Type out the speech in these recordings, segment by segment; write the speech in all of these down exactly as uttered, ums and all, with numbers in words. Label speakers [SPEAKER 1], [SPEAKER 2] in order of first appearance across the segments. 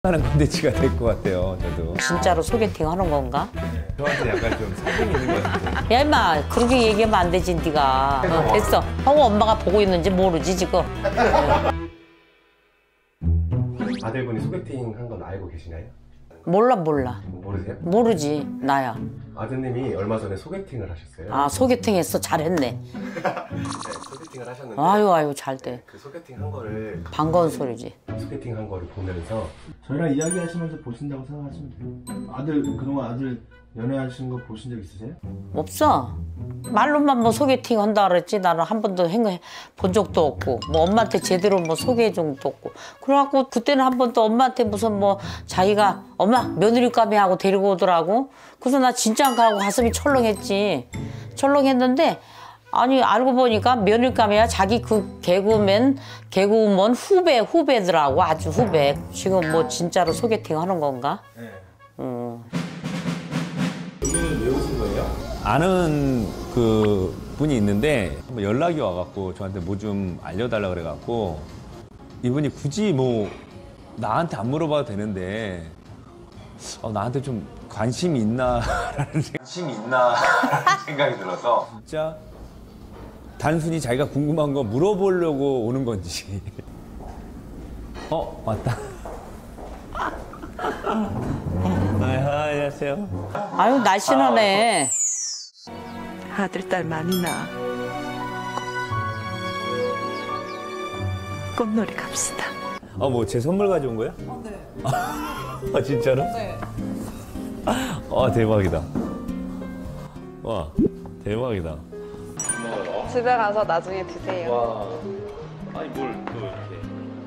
[SPEAKER 1] 하는 콘텐츠가 될 것 같아요. 저도.
[SPEAKER 2] 진짜로 소개팅 하는 건가?
[SPEAKER 1] 네. 저한테 약간 좀 사정이 있는 것 같은데.
[SPEAKER 2] 야 임마 그렇게 얘기하면 안 되지 네가. 어, 됐어. 하고 엄마가 보고 있는지 모르지 지금.
[SPEAKER 3] 아들분이 소개팅 한 건 알고 계시나요?
[SPEAKER 2] 몰라 몰라.
[SPEAKER 3] 모르세요?
[SPEAKER 2] 모르지 나야.
[SPEAKER 3] 아드님이 얼마 전에 소개팅을 하셨어요.
[SPEAKER 2] 아 소개팅 했어 잘했네.
[SPEAKER 3] 네, 소개팅을 하셨는데
[SPEAKER 2] 아유 아유 잘 돼.
[SPEAKER 3] 그 소개팅 한 거를
[SPEAKER 2] 반가운 소리지.
[SPEAKER 3] 소개팅 한 거를 보면서
[SPEAKER 4] 저희랑 이야기하시면서 보신다고 생각하시면 돼요. 아들 그동안 아들 연애하시는 거 보신 적 있으세요?
[SPEAKER 2] 없어. 말로만 뭐 소개팅 한다 그랬지 나는 한 번도 행해 본 적도 없고 뭐 엄마한테 제대로 뭐 소개해 준 적도 없고 그래갖고 그때는 한 번도 엄마한테 무슨 뭐 자기가 엄마 며느리감이 하고 데리고 오더라고. 그래서 나 진짜 안 가고 가슴이 철렁했지. 철렁했는데 아니 알고 보니까 며느리감이야 자기 그 개그맨 개그우먼 후배 후배더라고. 아주 후배. 지금 뭐 진짜로 소개팅 하는 건가?
[SPEAKER 4] 네.
[SPEAKER 2] 음.
[SPEAKER 4] 여기는 왜 오신 거예요?
[SPEAKER 1] 아는 그 분이 있는데 한번 연락이 와갖고 저한테 뭐 좀 알려달라 그래갖고 이분이 굳이 뭐 나한테 안 물어봐도 되는데 어, 나한테 좀 관심이 있나라는 관심이 있나라는 생각이 들어서 진짜 단순히 자기가 궁금한 거 물어보려고 오는 건지. 어 왔다. 아, 안녕하세요.
[SPEAKER 2] 아유 날씬하네.
[SPEAKER 5] 아들, 딸 많이 낳아. 꽃놀이 갑시다.
[SPEAKER 1] 아, 뭐 제 선물 가져온 거야?
[SPEAKER 6] 어, 네.
[SPEAKER 1] 아, 진짜로?
[SPEAKER 6] 네.
[SPEAKER 1] 아, 대박이다. 와, 대박이다.
[SPEAKER 6] 집에 가서 나중에 드세요.
[SPEAKER 1] 와, 아니 뭘 또 이렇게.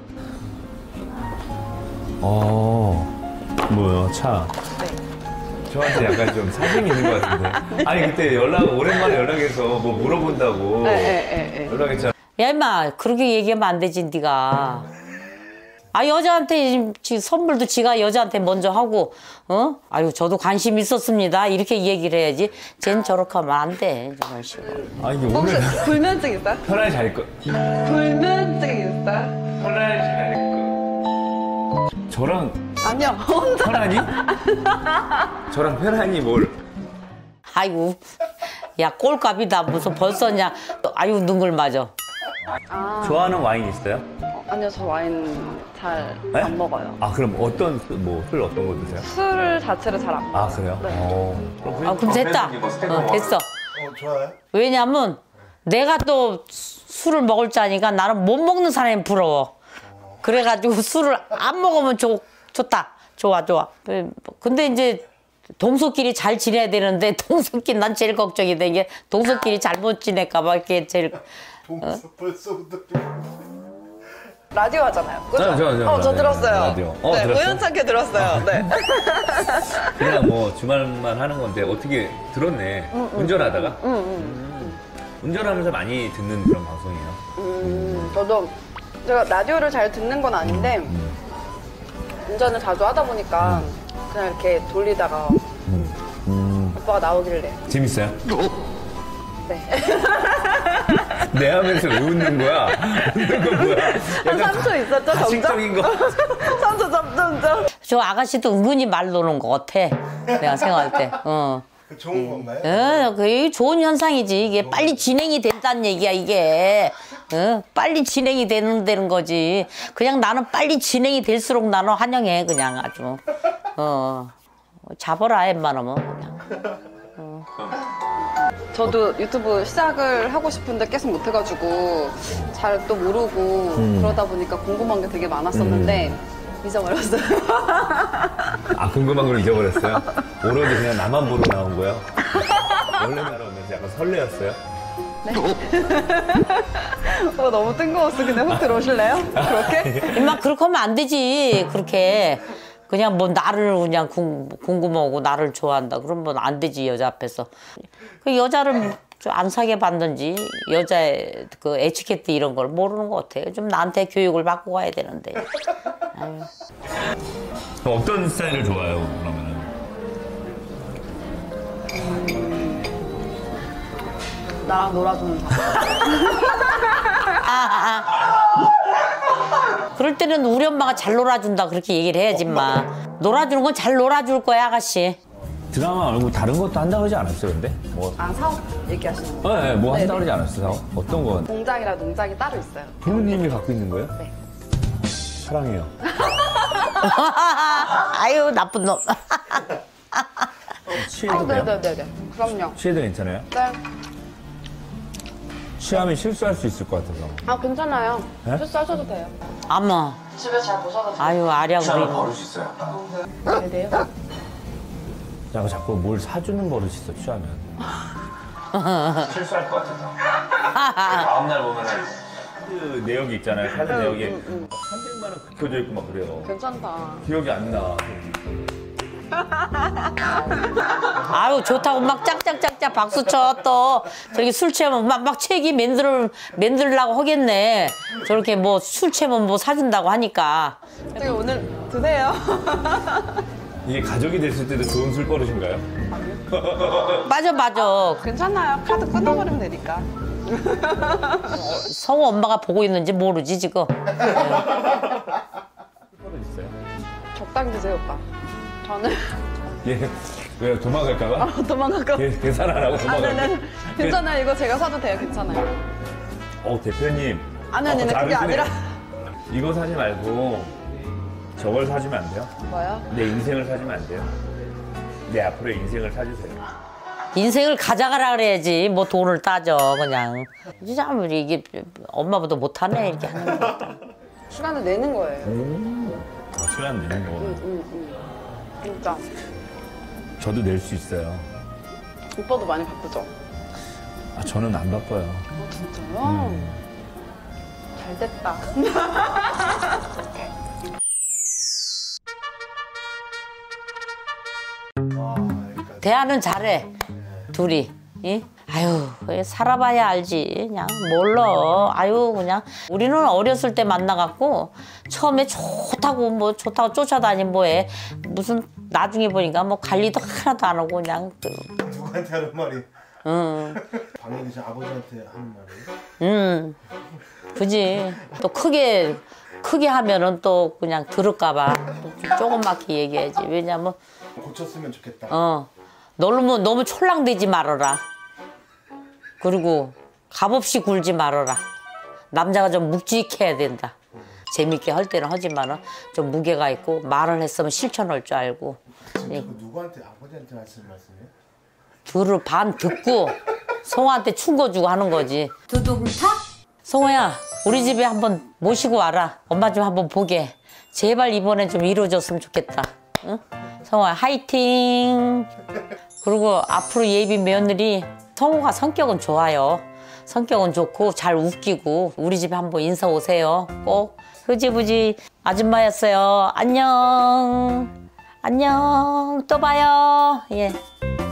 [SPEAKER 1] 어, 뭐야, 차.
[SPEAKER 6] 네.
[SPEAKER 1] 저한테 약간 좀 사정이 있는 것 같은데. 아니, 그때 연락, 오랜만에 연락해서 뭐 물어본다고.
[SPEAKER 6] 네, 네, 네.
[SPEAKER 1] 연락했잖아.
[SPEAKER 2] 야 임마 그렇게 얘기하면 안 되지 네가. 아 여자한테 지, 선물도 지가 여자한테 먼저 하고 어? 아유 저도 관심 있었습니다 이렇게 얘기를 해야지. 쟨 저렇게 하면 안 돼 저런 식으로.
[SPEAKER 1] 아, 이게
[SPEAKER 6] 혹시
[SPEAKER 1] 오늘
[SPEAKER 6] 불면증 있어요?
[SPEAKER 1] 편하게 잘 거.
[SPEAKER 6] 불면증 있어요?
[SPEAKER 1] 편하게 잘 거. 저랑
[SPEAKER 6] 아니요, 혼자.
[SPEAKER 1] 편하니? 저랑 편하니 뭘?
[SPEAKER 2] 아이고 야 꼴값이다 무슨 벌써냐. 아유 능글 맞아.
[SPEAKER 6] 아,
[SPEAKER 1] 좋아하는 와인 있어요?
[SPEAKER 6] 어, 아니요, 저 와인 잘
[SPEAKER 1] 네?
[SPEAKER 6] 안 먹어요.
[SPEAKER 1] 아, 그럼 어떤 뭐 술 어떤 거 드세요?
[SPEAKER 6] 술 자체를 잘 안 먹어요.
[SPEAKER 1] 아, 그래요?
[SPEAKER 6] 네.
[SPEAKER 1] 어.
[SPEAKER 2] 아 그럼 됐다. 어, 됐어.
[SPEAKER 4] 어 좋아요.
[SPEAKER 2] 왜냐면 내가 또 술을 먹을 자니까 나는 못 먹는 사람이 부러워. 그래가지고 술을 안 먹으면 좋, 좋다. 좋아 좋아. 근데 이제 동서끼리 잘 지내야 되는데 동서끼리 난 제일 걱정이 된 게 동서끼리 잘못 지낼까 봐 이게 제일.
[SPEAKER 4] 동서 벌써부터
[SPEAKER 6] 라디오 하잖아요. 그죠?
[SPEAKER 1] 네, 저, 저,
[SPEAKER 6] 어, 저
[SPEAKER 1] 라디오.
[SPEAKER 6] 들었어요.
[SPEAKER 1] 라디오. 어,
[SPEAKER 6] 네,
[SPEAKER 1] 들었어요?
[SPEAKER 6] 우연찮게 들었어요. 네.
[SPEAKER 1] 그냥 뭐 주말만 하는 건데 어떻게 들었네.
[SPEAKER 6] 응, 응.
[SPEAKER 1] 운전하다가?
[SPEAKER 6] 응, 응.
[SPEAKER 1] 음. 운전하면서 많이 듣는 그런 방송이에요.
[SPEAKER 6] 음, 저도 제가 라디오를 잘 듣는 건 아닌데
[SPEAKER 1] 음.
[SPEAKER 6] 운전을 자주 하다 보니까 그냥 이렇게 돌리다가
[SPEAKER 1] 음. 음.
[SPEAKER 6] 오빠가 나오길래
[SPEAKER 1] 재밌어요?
[SPEAKER 6] 네.
[SPEAKER 1] 내 하면서 왜 웃는 거야? 웃는 건 뭐야?
[SPEAKER 6] 한 삼 초 있었죠, 점점?
[SPEAKER 1] 가식적인 거.
[SPEAKER 6] 삼 초 점점점.
[SPEAKER 2] 저 아가씨도 은근히 말 노는 것 같아. 내가 생각할 때. 어.
[SPEAKER 4] 그 좋은 건가요?
[SPEAKER 2] 어, 그게 좋은 현상이지. 이게 빨리 진행이 된다는 얘기야, 이게. 어, 빨리 진행이 되는, 되는 거지. 그냥 나는 빨리 진행이 될수록 나는 환영해, 그냥 아주. 어. 잡아라, 웬만하면 그냥. 어.
[SPEAKER 6] 저도 유튜브 시작을 하고 싶은데 계속 못 해가지고 잘 또 모르고
[SPEAKER 1] 음.
[SPEAKER 6] 그러다 보니까 궁금한 게 되게 많았었는데 잊어버렸어요.
[SPEAKER 1] 아, 궁금한 걸 잊어버렸어요? 오로지 그냥 나만 보러 나온 거야? 원래 날아오면서 약간 설레었어요?
[SPEAKER 6] 어, 너무 뜬금없어. 근데 혹 들어오실래요? 그렇게?
[SPEAKER 2] 임마, 그렇게 하면 안 되지, 그렇게. 그냥 뭐 나를 그냥 궁, 궁금하고 나를 좋아한다. 그러면 안 되지, 여자 앞에서. 그 여자를 좀 안 사게 받는지, 여자의 그 에티켓트 이런 걸 모르는 것 같아요. 좀 나한테 교육을 받고 가야 되는데. 아유.
[SPEAKER 1] 어떤 스타일을 좋아해요, 그러면은?
[SPEAKER 6] 나랑 놀아주는 사람.
[SPEAKER 2] 아, 아, 아. 그럴 때는 우리 엄마가 잘 놀아준다 그렇게 얘기를 해야지 마. 놀아주는 건 잘 놀아줄 거야 아가씨.
[SPEAKER 1] 드라마 말고 다른 것도 한다 그러지 않았어요, 근데? 뭐,
[SPEAKER 6] 아, 사업 얘기하시는 거?
[SPEAKER 1] 어, 네, 뭐 한다
[SPEAKER 6] 네네.
[SPEAKER 1] 그러지 않았어요? 어떤 거?
[SPEAKER 6] 공장이라 농장이 따로 있어요.
[SPEAKER 1] 부모님이 갖고 있는 거예요?
[SPEAKER 6] 네.
[SPEAKER 1] 사랑해요.
[SPEAKER 2] 아유 나쁜 놈.
[SPEAKER 1] 취해도
[SPEAKER 6] 아,
[SPEAKER 1] 돼요?
[SPEAKER 6] 네네네네. 그럼요.
[SPEAKER 1] 취해도 괜찮아요?
[SPEAKER 6] 네.
[SPEAKER 1] 취하면 실수할 수 있을 것 같아서.
[SPEAKER 6] 아, 괜찮아요.
[SPEAKER 1] 네?
[SPEAKER 6] 실수하셔도 돼요.
[SPEAKER 2] 아마.
[SPEAKER 6] 집에 잘 모셔가지고.
[SPEAKER 2] 아유 아랴 우리.
[SPEAKER 3] 버릇이 있어요.
[SPEAKER 6] 네, 돼요?
[SPEAKER 1] 야, 자꾸 뭘 사주는 버릇이 있어, 취하면.
[SPEAKER 3] 실수할 것 같아서. 다음날 보면은
[SPEAKER 1] 그 내역이 있잖아요. 카드 내역에 삼백만 원 긁혀져 있고 막 그래요.
[SPEAKER 6] 괜찮다.
[SPEAKER 1] 기억이 안 나.
[SPEAKER 2] 아유 좋다고 막 짝짝짝짝 박수 쳐 또 저렇게 술 취하면 막, 막 책이 맨들 맨들라고 하겠네. 저렇게 뭐 술 취하면 뭐 사준다고 하니까.
[SPEAKER 6] 되게 오늘 드세요.
[SPEAKER 1] 이게 가족이 됐을 때도 좋은 술버릇인가요?
[SPEAKER 2] 맞아 맞아.
[SPEAKER 6] 괜찮아요. 카드 끊어버리면 되니까.
[SPEAKER 2] 성우 엄마가 보고 있는지 모르지 지금.
[SPEAKER 1] 술버릇 있어요?
[SPEAKER 6] 적당히 드세요, 오빠. 저는
[SPEAKER 1] 얘, 왜 도망갈까봐?
[SPEAKER 6] 아, 도망갈까 봐.
[SPEAKER 1] 걔 계산 안 하고
[SPEAKER 6] 아,
[SPEAKER 1] 도망갈까?
[SPEAKER 6] 네네. 괜찮아요. 이거 제가 사도 돼요. 괜찮아요.
[SPEAKER 1] 어, 대표님.
[SPEAKER 6] 아니, 아니,
[SPEAKER 1] 어,
[SPEAKER 6] 아니, 그게
[SPEAKER 1] 다르시네요.
[SPEAKER 6] 아니라.
[SPEAKER 1] 이거 사지 말고 저걸 사주면 안 돼요?
[SPEAKER 6] 뭐요?
[SPEAKER 1] 내 인생을 사주면 안 돼요? 내 앞으로의 인생을 사주세요.
[SPEAKER 2] 인생을 가져가라 그래야지 뭐 돈을 따져 그냥. 진짜 아무리 이게 엄마보다 못하네 이렇게 하는 거.
[SPEAKER 6] 시간을 내는 거예요.
[SPEAKER 1] 아, 시간 내는 거구나.
[SPEAKER 6] 응, 응. 진짜.
[SPEAKER 1] 저도 낼 수 있어요.
[SPEAKER 6] 오빠도 많이 바쁘죠?
[SPEAKER 1] 아, 저는 안 바빠요.
[SPEAKER 6] 아, 진짜요? 잘 됐다.
[SPEAKER 2] 대화는 잘해 둘이. 이? 아유 살아봐야 알지 그냥 몰라. 아유 그냥 우리는 어렸을 때 만나갖고 처음에 좋다고 뭐 좋다고 쫓아다니면 뭐해. 무슨 나중에 보니까 뭐 관리도 하나도 안 하고 그냥 그,
[SPEAKER 4] 누구한테 하는 말이?
[SPEAKER 2] 응,
[SPEAKER 4] 방에 계신 아버지한테 하는 말이?
[SPEAKER 2] 응, 그지. 또 크게 크게 하면은 또 그냥 들을까봐 조그맣게 얘기해야지. 왜냐면
[SPEAKER 4] 고쳤으면 좋겠다.
[SPEAKER 2] 어 너무 너무 촐랑대지 말아라. 그리고 값없이 굴지 말아라. 남자가 좀 묵직해야 된다. 재밌게 할 때는 하지만은 좀 무게가 있고 말을 했으면 실천할 줄 알고.
[SPEAKER 4] 지금 자꾸 누구한테 아버지한테 하시는 말씀이에요?
[SPEAKER 2] 들을 반 듣고 성호한테 충고 주고 하는 거지. 두둥탁. 성호야 우리 집에 한번 모시고 와라. 엄마 좀 한번 보게. 제발 이번엔 좀 이루어졌으면 좋겠다. 응? 성호야 화이팅. 그리고 앞으로 예비 며느리 성호가 성격은 좋아요. 성격은 좋고 잘 웃기고 우리 집에 한번 인사 오세요. 꼭. 흐지부지 아줌마였어요. 안녕. 안녕. 또 봐요. 예.